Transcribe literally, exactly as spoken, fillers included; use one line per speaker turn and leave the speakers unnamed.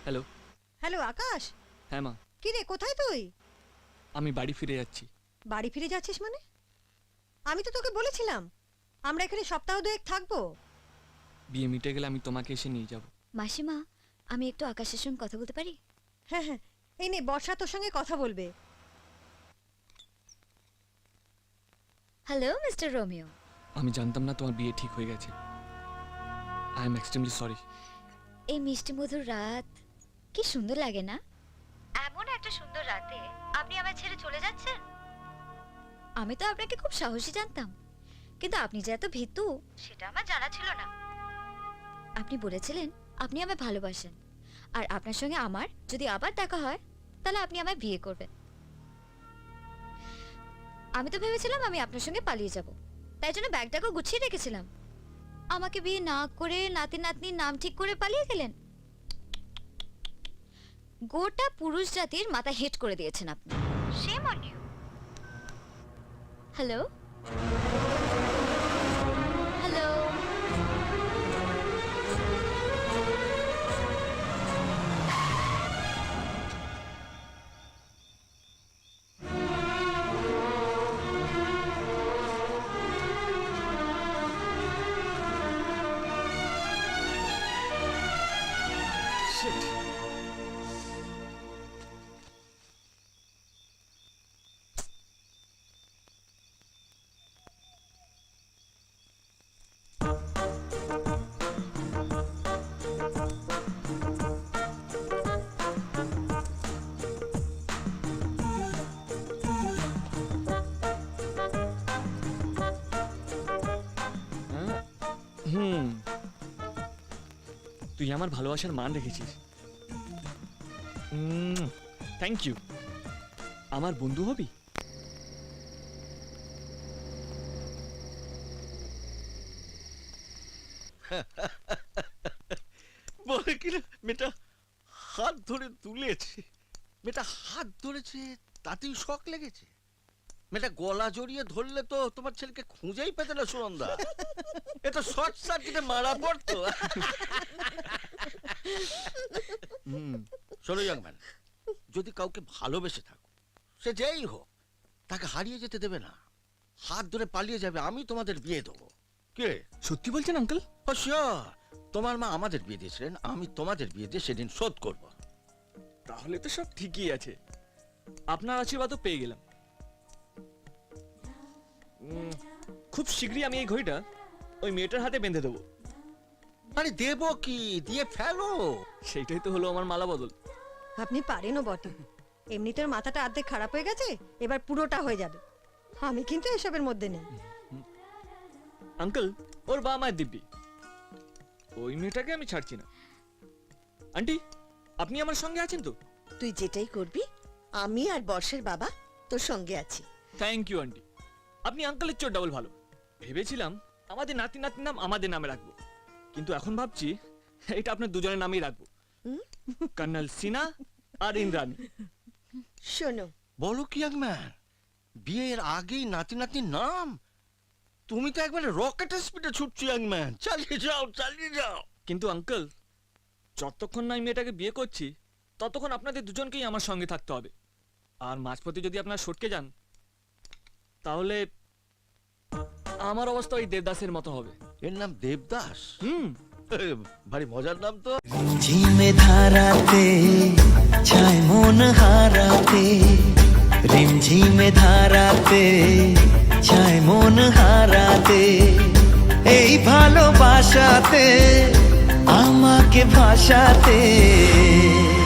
Hello.
Hello আকাশ।
হ্যাঁ মা।
কি রে, কোথায় তুই?
আমি বাড়ি ফিরে যাচ্ছি।
বাড়ি ফিরে যাচ্ছিস মানে? আমি তো তোকে বলেছিলাম আমরা এখানে সপ্তাহ দুয়েক থাকবো।
বিয়ে মিটে গেলে আমি তোমাকে এসে নিয়ে যাব।
মাসিমা, আমি একটু আকাশের সঙ্গে কথা বলতে পারি?
হ্যাঁ হ্যাঁ, এই নে বর্ষা তোর সঙ্গে কথা বলবে।
Hello mister Romeo.
আমি জানতাম না তোমার বিয়ে ঠিক হয়ে গেছে। I am extremely sorry.
এই মিষ্টি মধুর রাত কি সুন্দর লাগে না? এমন একটা সুন্দর রাতে আপনি আমায় ছেড়ে চলে যাচ্ছেন। আমি তো আপনাকে খুব সাহসী জানতাম, কিন্তু আপনি যে এত ভীতু সেটা আমার জানা ছিল না। আপনি বলেছিলেন আপনি আমায় ভালোবাসেন, আর আপনার সঙ্গে আমার যদি আবার দেখা হয় তাহলে আপনি আমায় বিয়ে করবেন। আমি তো ভেবেছিলাম আমি আপনার সঙ্গে পালিয়ে যাব, তাই জন্য ব্যাগটাকে গুছিয়ে রেখেছিলাম। আমাকে বিয়ে না করে নাতি নাতনির নাম ঠিক করে পালিয়ে গেলেন। গোটা পুরুষ জাতির মাথা হেট করে দিয়েছেন আপনি। Shame on you. Hello hello
হুম, তুই আমার ভালোবাসার মান রেখেছিস। Thank you. আমার বন্ধু হবি?
বলে কিনা মেয়েটা হাত ধরে তুলেছে, মেয়েটা হাত ধরেছে তাতেই শখ লেগেছে। মেয়েটা গলা জড়িয়ে ধরলে তো তোমার ছেলেকে খুঁজেই পেতে না সুনন্দা। এটা শর্ট সার্কিটে মারা পড়তো। শোনো ইয়াংম্যান, যদি কাউকে ভালোবেসে থাকো, সে যেই হোক, তাকে হারিয়ে যেতে দেবে না। হাত ধরে পালিয়ে যাবে, আমি তোমাদের বিয়ে দেবো। কে
সত্যি বলছেন আঙ্কেল?
তোমার মা আমাদের বিয়ে দিয়েছিলেন, আমি তোমাদের বিয়ে দিয়ে সেদিন শোধ করব।
তাহলে তো সব ঠিকই আছে। আপনার আশীর্বাদও পেয়ে গেলাম। খুব শীঘ্রই আমি এই ঘড়িটা ওই মেয়েটার হাতে বেঁধে দেবো।
আরে দেবো কি, দিয়ে ফেলো।
সেইটাই তো হলো আমার মালা বদল।
আপনি পারেনও বটে। এমনিতে মাথাটা অর্ধেক খারাপ হয়ে গেছে, এবার পুরোটা হয়ে যাবে। আমি কিন্তু এসবের মধ্যে নেই।
আঙ্কেল, ওর বাবা মায়ের দিব্যি, ওই মেয়েটাকে আমি ছাড়ছি না। আন্টি, আপনি আমার সঙ্গে আছেন তো?
তুই যেটাই করবি আমি আর বর্ষের বাবা তোর সঙ্গে আছি।
Thank you aunty. আপনি আঙ্কেলের চোর ডাবল ভালো। ভেবেছিলাম আমাদের নাতি নাতির নাম আমাদের নামে রাখবো, কিন্তু এখন ভাবছি এটা আপনার দুজনের নামেই রাখবো, কর্নেল সিনা আর ইন্দ্রাণী।
শোনো,
বলো কি ইয়াংম্যান, বিয়ের আগেই নাতি নাতির নাম? তুমি তো একবারে রকেটের স্পিডে ছুটছো ইয়াংম্যান। চালিয়ে যাও, চালিয়ে যাও।
কিন্তু আঙ্কেল, যতক্ষণ না আমি মেয়েটাকে বিয়ে করছি ততক্ষণ আপনাদের দুজনকেই আমার সঙ্গে থাকতে হবে। আর মাঝপথে যদি আপনারা সটকে যান তাহলে আমার অবস্থা ওই দেবদাসের মতো হবে।
এর নাম দেবদাস?
হুম,
ভারী মজার নাম তো।
ঝিমে ধারাতে ছায় মন হারাতে, রিমঝিমে ধারাতে ছায় মন হারাতে, এই ভালোবাসাতে আমাকে ভাসাতে।